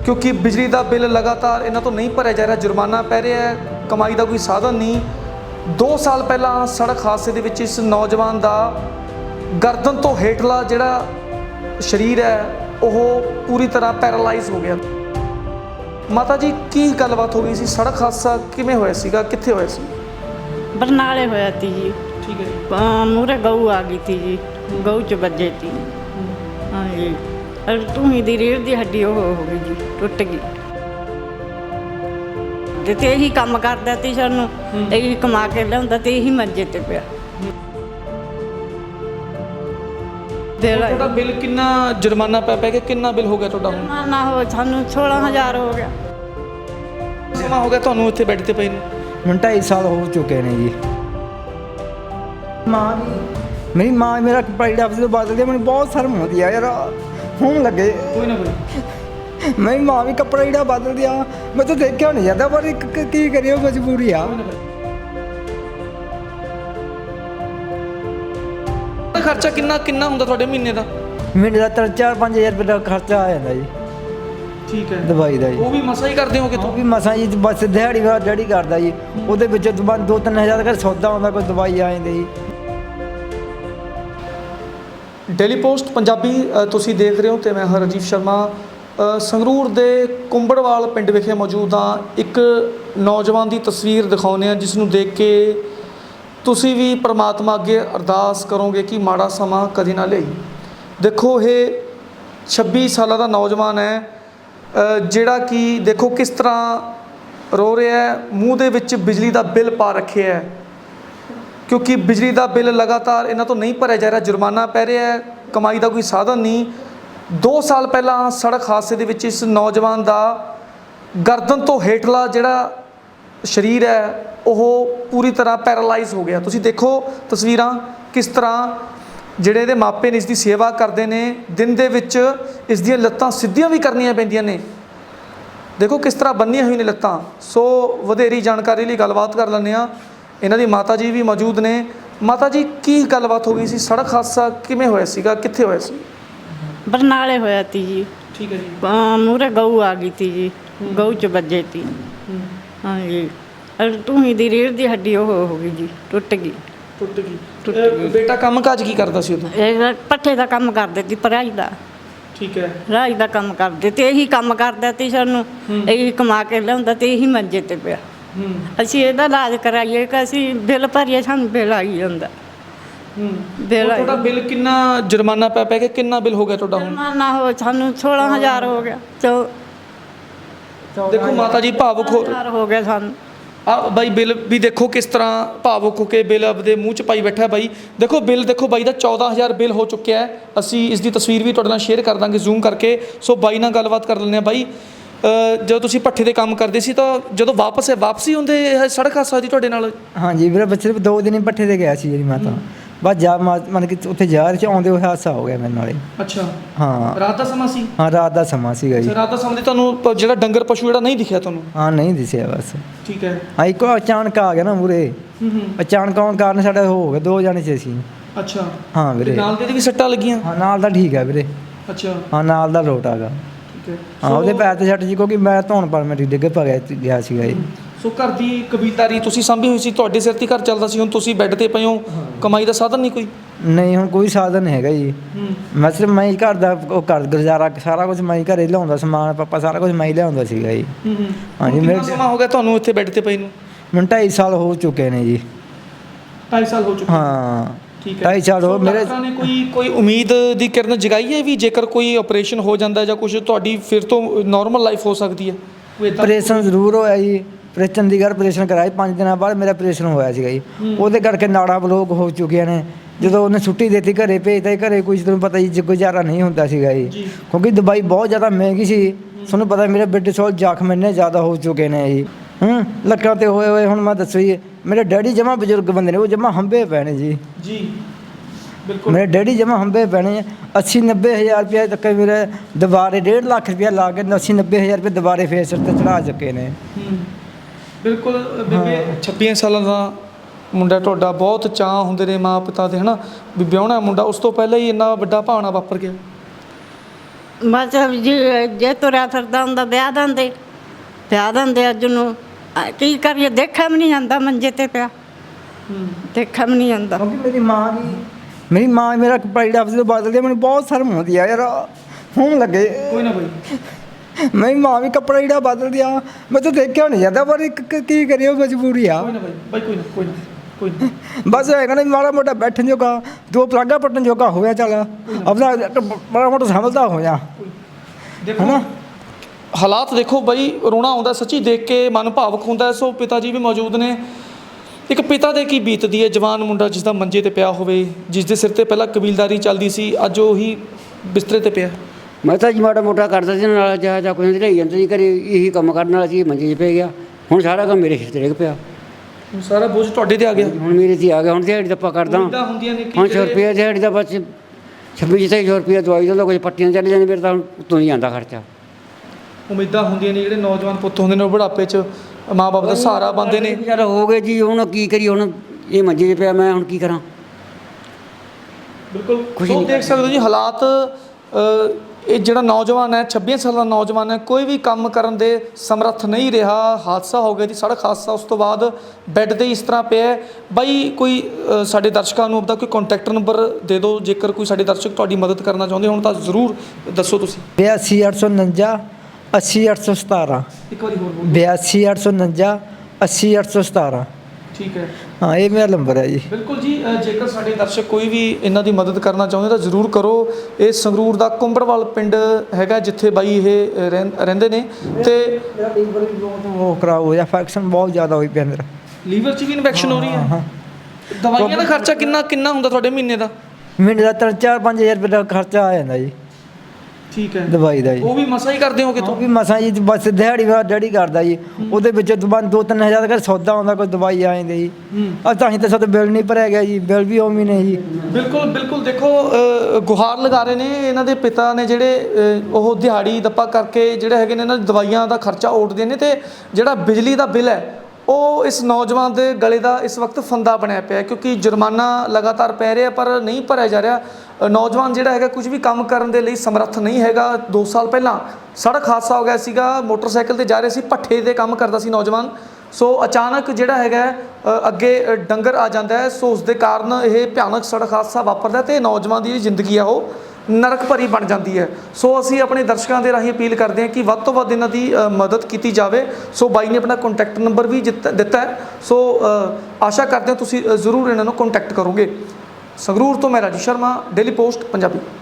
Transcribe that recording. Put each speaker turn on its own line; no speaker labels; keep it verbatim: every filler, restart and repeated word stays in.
क्योंकि बिजली का बिल लगातार इन्हों तो नहीं भरिया जा रहा, जुर्माना पै रहा है, कमाई का कोई साधन नहीं। दो साल पहला सड़क हादसे दे विच इस नौजवान का गर्दन तो हेठला जिहड़ा शरीर है वह पूरी तरह पैरालाइज हो गया। माता जी की गलबात हो गई सी? सड़क हादसा किवें होया सीगा, कित्थे होया सी?
बरनाले होया ती जी।
ठीक है जी।
मूरे गऊ आ गई थी जी, गऊ च बजे थी। हाँ जी, और तू ही दी रीढ़ दी हड्डी वो हो गई जी, टुट गई। ते यही काम करदा ती सानू, यही कमा के लिआंदा ते यही मंजे ते पिया।
ਤੁਹਾਡਾ ਬਿੱਲ ਕਿੰਨਾ ਜੁਰਮਾਨਾ ਪੈ ਪੈ ਕੇ ਕਿੰਨਾ ਬਿੱਲ ਹੋ ਗਿਆ ਤੁਹਾਡਾ ਹੁਣ?
ਜੁਰਮਾਨਾ ਹੋ ਸਾਨੂੰ सोलह हज़ार हो गया।
ਸਮਾਂ ਹੋ ਗਿਆ ਤੁਹਾਨੂੰ ਇੱਥੇ ਬੈਠ ਤੇ ਪਈ ਨੂੰ?
ਹੁਣ ਢਾਈ ਸਾਲ ਹੋ ਚੁੱਕੇ ਨੇ ਜੀ। ਮਾਂ ਮੇਰੀ ਮਾਂ ਮੇਰਾ ਕੱਪੜਾ ਜਦੋਂ ਬਦਲਦੀ ਮੈਨੂੰ ਬਹੁਤ ਸ਼ਰਮ ਆਉਂਦੀ ਆ ਯਾਰ, ਹੁਣ ਲੱਗੇ
ਕੋਈ ਨਾ ਕੋਈ।
ਮੇਰੀ ਮਾਂ ਵੀ ਕੱਪੜਾ ਜਿਹੜਾ ਬਦਲਦੀ ਆ, ਮੈਂ ਤਾਂ ਦੇਖਿਆ ਨਹੀਂ ਜਾਂਦਾ, ਪਰ ਕੀ ਕਰੀਏ ਮਜਬੂਰੀ ਆ।
ਖਰਚਾ ਕਿੰਨਾ ਕਿੰਨਾ ਹੁੰਦਾ ਤੁਹਾਡੇ ਮਹੀਨੇ ਦਾ?
ਮਹੀਨੇ ਦਾ ਤਿੰਨ ਚਾਰ ਪੰਜ ਹਜ਼ਾਰ ਰੁਪਏ ਦਾ ਖਰਚਾ ਆ ਜਾਂਦਾ ਜੀ।
ਠੀਕ ਹੈ।
ਦਵਾਈ ਦਾ ਜੀ
ਉਹ ਵੀ ਮਸਾ ਹੀ ਕਰਦੇ ਹੋ
ਉਹ
ਕਿਤੋਂ?
ਵੀ ਮਸਾਂ ਜੀ, ਬਸ ਦਿਹਾੜੀ ਵਾਰ ਡੈਡੀ ਕਰਦਾ ਜੀ, ਉਹਦੇ ਵਿੱਚ ਦੋ ਤਿੰਨ ਹਜ਼ਾਰ ਦਾ ਸੌਦਾ ਆਉਂਦਾ, ਕੋਈ ਦਵਾਈ ਆ ਜਾਂਦੀ ਜੀ।
ਡੇਲੀ ਪੋਸਟ ਪੰਜਾਬੀ ਅ, ਤੁਸੀਂ ਦੇਖ ਰਹੇ ਹੋ ਤੇ ਮੈਂ ਹਾਂ ਰਾਜੀਵ ਸ਼ਰਮਾ। ਅ, ਸੰਗਰੂਰ ਦੇ ਕੁੰਬੜਵਾਲ ਪਿੰਡ ਵਿਖੇ ਮੌਜੂਦ ਹਾਂ। ਇੱਕ ਨੌਜਵਾਨ ਦੀ ਤਸਵੀਰ ਦਿਖਾਉਂਦੇ ਹਾਂ ਜਿਸ ਨੂੰ ਦੇਖ ਕੇ ਤੁਸੀਂ ਵੀ ਪ੍ਰਮਾਤਮਾ ਅੱਗੇ ਅਰਦਾਸ ਕਰੋਗੇ ਕਿ ਮਾੜਾ ਸਮਾਂ ਕਦੇ ਨਾ ਲਿਆਈ। ਦੇਖੋ ਇਹ ਛੱਬੀ ਸਾਲਾਂ ਦਾ ਨੌਜਵਾਨ ਹੈ ਅ, ਜਿਹੜਾ ਕਿ ਦੇਖੋ ਕਿਸ ਤਰ੍ਹਾਂ ਰੋ ਰਿਹਾ ਹੈ, ਮੂੰਹ ਦੇ ਵਿੱਚ ਬਿਜਲੀ ਦਾ ਬਿੱਲ ਪਾ ਰੱਖਿਆ ਹੈ क्योंकि बिजली का बिल लगातार इन्हों तो नहीं भरिया जा रहा, जुर्माना पै रहा है, कमाई का कोई साधन नहीं। दो साल पहला सड़क हादसे दे विच इस नौजवान का गर्दन तो हेठला जिहड़ा शरीर है वह पूरी तरह पैरालाइज हो गया। तुसीं देखो तस्वीरां किस तरह जिहड़े इहदे मापे ने इसकी सेवा करते हैं, दिन दे विच इस दीयां लत्तां सिद्धियां भी करनियां पैंदियां ने। देखो किस तरह बन्नियां हुई ने लत्तां। सो वधेरी जानकारी लई गलबात कर लैंदे आ। ਇਹਨਾਂ ਦੀ ਮਾਤਾ ਜੀ ਵੀ ਮੌਜੂਦ ਨੇ। ਮਾਤਾ ਜੀ ਕੀ ਗੱਲਬਾਤ ਹੋ ਗਈ ਸੀ? ਸੜਕ ਹਾਦਸਾ ਕਿਵੇਂ ਹੋਇਆ ਸੀਗਾ, ਕਿੱਥੇ ਹੋਇਆ ਸੀ?
बरनाले होया ती जी।
ਠੀਕ ਹੈ ਜੀ।
मूरे गऊ आ गई थी जी, गऊ च बजे थी। हाँ जी, और तू ही दी रीढ़ दी हड्डी वो हो गई जी, टुट गई।
ਟੁੱਟ ਗਈ। ਅਹ ਬੇਟਾ ਕੰਮ ਕਾਜ ਕੀ ਕਰਦਾ ਸੀ ਉਦੋਂ?
ਇਹ ਪੱਠੇ ਦਾ ਕੰਮ ਕਰਦੇ ਸੀ, ਪਰਾਈ ਦਾ
ਠੀਕ ਹੈ।
ਰਾਜ ਦਾ ਕੰਮ ਕਰਦੇ ਤੇ ਇਹੀ ਕੰਮ ਕਰਦਾ ਤੇ ਸਾਨੂੰ ਇਹੀ ਕਮਾ ਕੇ ਲਿਆਉਂਦਾ ਤੇ ਇਹੀ ਮੰਜੇ ਤੇ ਪਿਆ। ਅਸੀਂ ਇਹਦਾ ਇਲਾਜ ਕਰਾਈਏ ਕਿ ਅਸੀਂ ਬਿੱਲ ਭਰੀਏ, ਸਾਨੂੰ ਬਿੱਲ ਆਈ ਜਾਂਦਾ। ਬਿੱਲ ਆਈ
ਤੁਹਾਡਾ ਬਿੱਲ ਕਿੰਨਾ ਜੁਰਮਾਨਾ ਪੈ ਪੈ ਕੇ ਕਿੰਨਾ ਬਿੱਲ ਹੋ ਗਿਆ ਤੁਹਾਡਾ ਹੁਣ?
ਨਾ ਹੋ ਸਾਨੂੰ सोलह हज़ार ਹੋ ਗਿਆ। ਚੋ
ਦੇਖੋ ਮਾਤਾ ਜੀ ਭਾਵੁਕ ਹੋ
हज़ार ਹੋ ਗਿਆ ਸਾਨੂੰ।
ਆ ਬਾਈ ਬਿੱਲ ਵੀ ਦੇਖੋ ਕਿਸ ਤਰ੍ਹਾਂ ਭਾਵੁਕ ਹੋ ਕੇ ਬਿੱਲ ਆਪਦੇ ਮੂੰਹ 'ਚ ਪਾਈ ਬੈਠਾ ਬਾਈ। ਦੇਖੋ ਬਿੱਲ ਦੇਖੋ ਬਾਈ ਦਾ ਚੌਦਾਂ ਹਜ਼ਾਰ ਬਿੱਲ ਹੋ ਚੁੱਕਿਆ ਹੈ। ਅਸੀਂ ਇਸ ਦੀ ਤਸਵੀਰ ਵੀ ਤੁਹਾਡੇ ਨਾਲ ਸ਼ੇਅਰ ਕਰ ਦਾਂਗੇ ਜ਼ੂਮ ਕਰਕੇ। ਸੋ ਬਾਈ ਨਾਲ ਗੱਲਬਾਤ ਕਰ ਲੈਂਦੇ ਹਾਂ। ਬਾਈ ਜਦੋਂ ਤੁਸੀਂ ਭੱਠੇ ਦੇ ਕੰਮ ਕਰਦੇ ਸੀ ਤਾਂ ਜਦੋਂ ਵਾਪਸ ਵਾਪਸੀ ਹੁੰਦੇ ਇਹ ਸੜਕ ਹਾਦਸਾ ਦੀ ਤੁਹਾਡੇ ਨਾਲ?
ਹਾਂਜੀ ਵੀਰੇ, ਬੱਚੇ ਦੋ ਦਿਨ ਹੀ ਭੱਠੇ ਤੇ ਗਿਆ ਸੀ ਜਿਹੜੀ ਮਾਤਾ, ਬਸ ਜਾ ਮਤਲਬ ਕਿ ਉੱਥੇ ਜਾ ਰਹੇ ਆਉਂਦੇ ਹੋਏ ਹਾਦਸਾ ਹੋ ਗਿਆ ਮੇਰੇ ਨਾਲ।
ਅੱਛਾ।
ਹਾਂ
ਰਾਤ ਦਾ ਸਮਾਂ ਸੀ?
ਹਾਂ ਰਾਤ ਦਾ ਸਮਾਂ ਸੀਗਾ ਜੀ।
ਰਾਤ ਦਾ ਸਮਾਂ ਦੀ ਤੁਹਾਨੂੰ ਪ- ਜਿਹੜਾ ਡੰਗਰ ਪਸ਼ੂ ਜਿਹੜਾ ਨਹੀਂ ਦਿਖਿਆ ਤੁਹਾਨੂੰ?
ਹਾਂ ਨਹੀਂ ਦਿਸਿਆ ਬਸ।
ਠੀਕ ਹੈ।
ਹਾਂ ਇੱਕੋ ਅਚਾਨਕ ਆ ਗਿਆ ਨਾ ਮੂਰੇ,
ਹੂੰ ਹੂੰ।
ਅਚਾਨਕ ਆਉਣ ਕਾਰਨ ਸਾਡਾ ਹੋ ਗਿਆ, ਦੋ ਜਾਣੇ ਸੀ ਅਸੀਂ।
ਅੱਛਾ।
ਹਾਂ
ਤੇ
ਵੀਰੇ,
ਨਾਲ ਦੇ ਵੀ ਸੱਟਾਂ ਲੱਗੀਆਂ?
ਹਾਂ ਨਾਲ ਦਾ ਠੀਕ ਹੈ ਵੀਰੇ।
ਅੱਛਾ।
ਹਾਂ ਨਾਲ ਦਾ ਲੋਟ ਆ ਗਾ।
ਠੀਕ ਹੈ।
ਹਾਂ ਉਹਦੇ ਪੈਰ ਤੇ ਛੱਟ ਸੀ ਕਿਉਂਕਿ ਮੈਂ ਧੌਣ ਪਰ ਮੇਰੀ ਡਿੱਗ ਪਾ ਗਿਆ ਗਿਆ ਸੀਗਾ ਜੀ।
ਸੋ ਘਰ ਦੀ ਕਬੀਲਦਾਰੀ ਤੁਸੀਂ ਸਾਂਭੀ ਹੋਈ ਸੀ, ਤੁਹਾਡੇ ਸਿਰ ਤੇ ਘਰ ਚੱਲਦਾ ਸੀ, ਹੁਣ ਤੁਸੀਂ ਬੈੱਡ ਤੇ ਪਏ ਹੋ, ਕਮਾਈ ਦਾ ਸਾਧਨ ਨਹੀਂ ਕੋਈ?
ਨਹੀਂ ਹੁਣ ਕੋਈ ਸਾਧਨ ਹੈਗਾ ਜੀ। ਮੈਂ ਸਿਰਫ ਮੈਂ ਹੀ ਘਰ ਦਾ ਉਹ ਕਰ ਗੁਜ਼ਾਰਾ ਸਾਰਾ ਕੁਝ ਮੈਂ ਹੀ ਘਰੇ ਲਿਆਉਂਦਾ, ਸਮਾਨ ਪਾਪਾ ਸਾਰਾ ਕੁਝ ਮੈਂ ਹੀ ਲਿਆਉਂਦਾ ਸੀਗਾ ਜੀ। ਹਾਂਜੀ।
ਕਿੰਨਾ
ਮੇਰੇ
ਸਮਾਂ ਹੋ ਗਿਆ ਤੁਹਾਨੂੰ ਇੱਥੇ ਬੈੱਡ ਤੇ ਪਈ ਨੂੰ?
ਮੈਨੂੰ ਢਾਈ ਸਾਲ ਹੋ ਚੁੱਕੇ ਨੇ ਜੀ।
ਢਾਈ ਸਾਲ ਹੋ ਚੁੱਕੇ?
ਹਾਂ
ਠੀਕ ਹੈ।
ਢਾਈ ਸਾਲ ਹੋ ਮੇਰੇ।
ਡਾਕਟਰਾਂ ਨੇ ਕੋਈ ਕੋਈ ਉਮੀਦ ਦੀ ਕਿਰਨ ਜਗਾਈ ਹੈ ਵੀ ਜੇਕਰ ਕੋਈ ਆਪਰੇਸ਼ਨ ਹੋ ਜਾਂਦਾ ਜਾਂ ਕੁਝ ਤੁਹਾਡੀ ਫਿਰ ਤੋਂ ਨਾਰਮਲ ਲਾਈਫ ਹੋ ਸਕਦੀ ਹੈ?
ਆਪਰੇਸ਼ਨ ਜ਼ਰੂਰ ਹੋਇਆ ਜੀ, ਫਿਰ ਚੰਡੀਗੜ੍ਹ ਆਪਰੇਸ਼ਨ ਕਰਾਇਆ, ਪੰਜ ਦਿਨਾਂ ਬਾਅਦ ਮੇਰਾ ਆਪਰੇਸ਼ਨ ਹੋਇਆ ਸੀਗਾ ਜੀ। ਉਹਦੇ ਕਰਕੇ ਨਾੜਾਂ ਬਲੋਕ ਹੋ ਚੁੱਕੀਆਂ ਨੇ। ਜਦੋਂ ਉਹਨੇ ਛੁੱਟੀ ਦਿੱਤੀ ਘਰੇ ਭੇਜਤਾ, ਘਰੇ ਕੁਝ ਤੁਹਾਨੂੰ ਪਤਾ ਜੀ ਗੁਜ਼ਾਰਾ ਨਹੀਂ ਹੁੰਦਾ ਸੀਗਾ ਜੀ, ਕਿਉਂਕਿ ਦਵਾਈ ਬਹੁਤ ਜ਼ਿਆਦਾ ਮਹਿੰਗੀ ਸੀ। ਤੁਹਾਨੂੰ ਪਤਾ ਮੇਰੇ ਬੇਟੇ ਸੋਲ ਜ਼ਖਮ ਇੰਨੇ ਜ਼ਿਆਦਾ ਹੋ ਚੁੱਕੇ ਨੇ ਜੀ। ਹੂੰ ਲੱਕਾਂ ਤੇ ਹੋਏ ਹੋਏ ਹੁਣ ਮੈਂ ਦੱਸੋ ਜੀ, ਮੇਰੇ ਡੈਡੀ ਜਮਾ ਬਜ਼ੁਰਗ ਬੰਦੇ ਨੇ, ਉਹ ਜਮਾ ਹੰਬੇ ਪੈਣੇ ਜੀ।
ਜੀ ਬਿਲਕੁਲ।
ਮੇਰੇ ਡੈਡੀ ਜਮਾ ਹੰਬੇ ਪੈਣੇ, अस्सी नब्बे हज़ार रुपया तक मेरे दुबारे डेढ़ लाख रुपया ला के अस्सी नब्बे हज़ार रुपये दुबारे फेर सिर ते चढ़ा चुके ने।
बिल्कुल बेबे छब्बी सालों का मुंडा तुहाडा, बहुत चाह हुंदे ने माँ पिता दे, है ना, भी विआहना मुंडा, उस तो पहले ही इन्ना वड्डा भावना वापर गया?
ਮਤਲਬ ਜੀ ਜੇ ਤੁਰਿਆ ਫਿਰਦਾ ਹੁੰਦਾ ਵਿਆਹ ਦਿੰਦੇ ਵਿਆਹ ਦਿੰਦੇ ਅੱਜ ਨੂੰ ਆ, ਕੀ ਕਰੀਏ ਦੇਖਿਆ ਵੀ ਨਹੀਂ ਜਾਂਦਾ ਮੰਜੇ ਤੇ ਪਿਆ ਦੇਖਿਆ ਵੀ ਨਹੀਂ ਜਾਂਦਾ।
ਕਿਉਂਕਿ ਮੇਰੀ ਮਾਂ ਵੀ ਮੇਰੀ ਮਾਂ ਮੇਰਾ ਕੱਪੜਾ ਜਿਹੜਾ ਆਪਸ ਬਦਲਦੀ ਆ, ਮੈਨੂੰ ਬਹੁਤ ਸ਼ਰਮ ਆਉਂਦੀ ਆ ਯਾਰ ਹੁਣ ਲੱਗੇ।
ਕੋਈ ਨਾ ਕੋਈ
ਮੇਰੀ ਮਾਂ ਵੀ ਕੱਪੜਾ ਜਿਹੜਾ ਬਦਲਦੀ ਆ, ਮੈਂ ਤਾਂ ਦੇਖਿਆ ਨਹੀਂ ਜਾਂਦਾ, ਪਰ ਇੱਕ ਇੱਕ ਕੀ ਕਰੀਏ ਮਜਬੂਰੀ ਆ।
ਕੋਈ ਨਾ ਬਾਈ ਬਾਈ ਕੋਈ ਨਾ ਕੋਈ ਨਾ ਕੋਈ ਨਾ
ਬਸ ਹੈਗਾ ਨਾ ਮਾੜਾ ਮੋਟਾ ਬੈਠਣ ਜੋਗਾ, ਦੋ ਪਲਾਗਾ ਪੱਟਣ ਜੋਗਾ ਹੋਇਆ, ਚੱਲ ਆਪਣਾ ਇੱਕ ਮਾੜਾ ਮੋਟਾ ਸਮਝਦਾ ਹੋਇਆ।
ਦੇਖੋ
ਹਨਾ?
ਹਾਲਾਤ ਦੇਖੋ ਬਾਈ, ਰੋਣਾ ਆਉਂਦਾ ਸੱਚੀ ਦੇਖ ਕੇ, ਮਨ ਭਾਵੁਕ ਹੁੰਦਾ। ਸੋ ਪਿਤਾ ਜੀ ਵੀ ਮੌਜੂਦ ਨੇ। ਇੱਕ ਪਿਤਾ ਦੇ ਕੀ ਬੀਤਦੀ ਹੈ, ਜਵਾਨ ਮੁੰਡਾ ਜਿਸ ਦਾ ਮੰਜੇ ਤੇ ਪਿਆ ਹੋਵੇ, ਜਿਸ ਦੇ ਸਿਰ ਤੇ ਪਹਿਲਾਂ ਕਬੀਲਦਾਰੀ ਚੱਲਦੀ ਸੀ, ਅੱਜ ਉਹੀ ਬਿਸਤਰੇ ਤੇ ਪਿਆ।
ਮੈਂ ਤਾਂ ਜੀ ਮਾੜਾ ਮੋਟਾ ਕਰਦਾ ਸੀ ਨਾਲ ਜਾ ਜਾ ਕੋਈ ਲਈ ਜਾਂਦਾ ਜੀ, ਘਰੇ ਇਹੀ ਕੰਮ ਕਰਨ ਵਾਲਾ ਸੀ, ਮੰਜੇ 'ਚ ਪੈ ਗਿਆ। ਹੁਣ ਸਾਰਾ ਕੰਮ ਮੇਰੇ ਸਿਰ ਤੇ ਡਿੱਗ ਪਿਆ,
ਹੁਣ ਸਾਰਾ ਬੋਝ ਤੁਹਾਡੇ ਤੇ ਆ ਗਿਆ।
ਹੁਣ ਮੇਰੇ 'ਤੇ ਆ ਗਿਆ। ਹੁਣ ਦਿਹਾੜੀ ਦੱਪਾ ਕਰਦਾ,
ਉਮੀਦਾਂ ਹੁੰਦੀਆਂ ਨੇ ਕਿ
ਪੰਜ ਸੌ
ਜਿਹੜੇ-
ਰੁਪਏ ਦਿਹਾੜੀ ਦਾ ਬਸ ਛੱਬੀ ਸਤਾਈ ਸੌ ਰੁਪਏ ਦਵਾਈ ਦਾ, ਕੁਝ ਪੱਟੀਆਂ ਚੱਲ ਜਾਂਦੀ, ਮੇਰੇ ਤਾਂ ਹੁਣ ਉੱਤੋਂ ਨਹੀਂ ਜਾਂਦਾ ਖਰਚਾ।
ਉਮੀਦਾਂ ਹੁੰਦੀਆਂ ਨੇ, ਜਿਹੜੇ ਨੌਜਵਾਨ ਪੁੱਤ ਹੁੰਦੇ ਨੇ ਉਹ ਬੁਢਾਪੇ 'ਚ ਮਾਂ ਬਾਪ ਦਾ ਸਹਾਰਾ ਬਣਦੇ ਨੇ।
ਚੱਲ ਹੋ ਗਏ ਜੀ, ਹੁਣ ਕੀ ਕਰੀਏ, ਹੁਣ ਇਹ ਮੰਜੇ 'ਚ ਪਿਆ, ਮੈਂ ਹੁਣ ਕੀ ਕਰਾਂ।
ਬਿਲਕੁਲ
ਕੁਛ
ਸੋ
ਨਹੀਂ
ਦੇਖ ਸਕਦੇ ਹੋ ਜੀ ਹਾਲਾਤ। ਅ, ਇਹ ਜਿਹੜਾ ਨੌਜਵਾਨ ਹੈ ਛੱਬੀ ਸਾਲਾਂ ਦਾ ਨੌਜਵਾਨ ਹੈ, ਕੋਈ ਵੀ ਕੰਮ ਕਰਨ ਦੇ ਸਮਰੱਥ ਨਹੀਂ ਰਿਹਾ। ਹਾਦਸਾ ਹੋ ਗਿਆ ਜੀ, ਸੜਕ ਹਾਦਸਾ। ਉਸ ਤੋਂ ਬਾਅਦ ਬੈੱਡ 'ਤੇ ਇਸ ਤਰ੍ਹਾਂ ਪਿਆ ਹੈ। ਬਾਈ ਕੋਈ ਅ, ਸਾਡੇ ਦਰਸ਼ਕਾਂ ਨੂੰ ਆਪਦਾ ਕੋਈ ਕੰਟੈਕਟ ਨੰਬਰ ਦੇ ਦਿਓ, ਜੇਕਰ ਕੋਈ ਸਾਡੇ ਦਰਸ਼ਕ ਤੁਹਾਡੀ ਮਦਦ ਕਰਨਾ ਚਾਹੁੰਦੇ ਹੋਣ ਤਾਂ ਜ਼ਰੂਰ ਦੱਸੋ ਤੁਸੀਂ।
ਬਿਆਸੀ ਅੱਠ ਸੌ ਉਣੰਜਾ ਅੱਸੀ ਅੱਠ ਸੌ ਸਤਾਰਾਂ
ਇੱਕ ਵਾਰੀ ਹੋਰ ਬੋਲੋ।
ਬਿਆਸੀ ਅੱਠ ਸੌ ਉਣੰਜਾ ਅੱਸੀ ਅੱਠ ਸੌ ਸਤਾਰਾਂ
ਠੀਕ ਹੈ,
ਹਾਂ ਇਹ ਮੇਰਾ ਨੰਬਰ ਹੈ ਜੀ।
ਬਿਲਕੁਲ ਜੀ। ਅ, ਜੇਕਰ ਸਾਡੇ ਦਰਸ਼ਕ ਕੋਈ ਵੀ ਇਹਨਾਂ ਦੀ ਮਦਦ ਕਰਨਾ ਚਾਹੁੰਦੇ ਤਾਂ ਜ਼ਰੂਰ ਕਰੋ। ਇਹ ਸੰਗਰੂਰ ਦਾ ਕੁੰਬੜਵਾਲ ਪਿੰਡ ਹੈਗਾ, ਜਿੱਥੇ ਬਾਈ ਇਹ ਰਹਿੰ- ਰਹਿੰਦੇ ਨੇ। ਤੇ
ਮੇਰਾ ਲੀਵਰ ਵੀ ਬਹੁਤ ਉਹ ਖਰਾਬ ਹੋ ਗਿਆ, ਫੈਕਸ਼ਨ ਬਹੁਤ ਜ਼ਿਆਦਾ ਹੋਈ ਪਿਆ ਮੇਰਾ।
ਲੀਵਰ 'ਚ ਵੀ ਇਨਫੈਕਸ਼ਨ ਹੋ ਰਹੀ
ਹਾਂ,
ਹੈ।
ਹਾਂ।
ਦਵਾਈਆਂ ਦਾ ਖਰਚਾ ਕਿੰਨਾ ਕਿੰਨਾ ਹੁੰਦਾ ਤੁਹਾਡੇ ਮਹੀਨੇ ਦਾ?
ਮਹੀਨੇ ਦਾ ਤਿੰਨ ਚਾਰ ਪੰਜ ਹਜ਼ਾਰ ਰੁਪਏ ਦਾ ਖਰਚਾ ਆ ਜਾਂਦਾ ਜੀ
ਠੀਕ ਹੈ,
ਦਵਾਈ ਦਾ ਜੀ।
ਉਹ ਵੀ ਮਸਾ ਹੀ ਕਰਦੇ ਹੋਗੇ
ਉਹ
ਤੋਂ?
ਵੀ ਮਸਾਂ ਜੀ ਬਸ ਦਿਹਾੜੀ ਵਾ ਡੈਡੀ ਕਰਦਾ ਜੀ, ਉਹਦੇ ਵਿੱਚ ਦੁਬਾਰਾ ਦੋ ਤਿੰਨ ਹਜ਼ਾਰ ਦਾ ਸੌਦਾ ਆਉਂਦਾ, ਕੋਈ ਦਵਾਈ ਆ ਜਾਂਦੀ ਜੀ।
ਹੂੰ।
ਅੱਜ ਤਾਂ ਹੀ ਤਾਂ ਸਾਡਾ ਬਿੱਲ ਨਹੀਂ ਭਰਿਆ ਗਿਆ ਜੀ, ਬਿੱਲ ਵੀ ਉਵੇਂ ਨੇ ਜੀ।
ਬਿਲਕੁਲ ਬਿਲਕੁਲ। ਦੇਖੋ ਅ, ਗੁਹਾਰ ਲਗਾ ਰਹੇ ਨੇ ਇਹਨਾਂ ਦੇ ਪਿਤਾ ਨੇ, ਜਿਹੜੇ ਅ, ਉਹ ਦਿਹਾੜੀ ਦੱਪਾ ਕਰਕੇ ਜਿਹੜੇ ਹੈਗੇ ਨੇ ਇਹਨਾਂ ਦੀ ਦਵਾਈਆਂ ਦਾ ਖਰਚਾ ਓਟਦੇ ਨੇ। ਤੇ ਜਿਹੜਾ ਬਿਜਲੀ ਦਾ ਬਿੱਲ ਹੈ ਉਹ ਇਸ ਨੌਜਵਾਨ ਦੇ ਗਲੇ ਦਾ ਇਸ ਵਕਤ ਫੰਦਾ ਬਣਿਆ ਪਿਆ, ਕਿਉਂਕਿ ਜੁਰਮਾਨਾ ਲਗਾਤਾਰ ਪੈ ਰਿਹਾ ਪਰ ਨਹੀਂ ਭਰਿਆ ਜਾ ਰਿਹਾ। ਅ, ਨੌਜਵਾਨ ਜਿਹੜਾ ਹੈਗਾ ਕੁਝ ਵੀ ਕੰਮ ਕਰਨ ਦੇ ਲਈ ਸਮਰੱਥ ਨਹੀਂ ਹੈਗਾ। ਦੋ ਸਾਲ ਪਹਿਲਾਂ ਸੜਕ ਹਾਦਸਾ ਹੋ ਗਿਆ ਸੀਗਾ, ਮੋਟਰਸਾਈਕਲ ਤੇ ਜਾ ਰਹੇ ਸੀ, ਭੱਠੇ ਦੇ ਕੰਮ ਕਰਦਾ ਸੀ ਨੌਜਵਾਨ। ਸੋ ਅਚਾਨਕ ਜਿਹੜਾ ਹੈਗਾ ਅ, ਅੱਗੇ ਅ, ਡੰਗਰ ਆ ਜਾਂਦਾ ਹੈ, ਸੋ ਉਸ ਦੇ ਕਾਰਨ ਇਹ ਭਿਆਨਕ ਸੜਕ ਹਾਦਸਾ ਵਾਪਰਦਾ ਤੇ ਨੌਜਵਾਨ ਦੀ ਜਿਹੜੀ ਜ਼ਿੰਦਗੀ ਆ ਉਹ ਨਰਕ ਭਰੀ ਬਣ ਜਾਂਦੀ ਹੈ। ਸੋ ਅਸੀਂ ਆਪਣੇ ਦਰਸ਼ਕਾਂ ਦੇ ਰਾਹੀਂ ਅਪੀਲ ਕਰਦੇ ਹਾਂ ਕਿ ਵੱਧ ਤੋਂ ਵੱਧ ਇਹਨਾਂ ਦੀ ਅ, ਮਦਦ ਕੀਤੀ ਜਾਵੇ। ਸੋ ਬਾਈ ਨੇ ਆਪਣਾ ਕੰਟੈਕਟ ਨੰਬਰ ਵੀ ਜਿੱਤ- ਦਿੱਤਾ ਹੈ। ਸੋ ਅ, ਆਸ਼ਾ ਕਰਦੇ ਹਾਂ ਤੁਸੀਂ ਅ, ਜ਼ਰੂਰ ਇਹਨਾਂ ਨੂੰ ਕੰਟੈਕਟ ਕਰੋਗੇ। ਸੰਗਰੂਰ ਤੋਂ ਮੈਂ ਰਾਜੇਸ਼ ਸ਼ਰਮਾ, ਡੇਲੀ ਪੋਸਟ ਪੰਜਾਬੀ।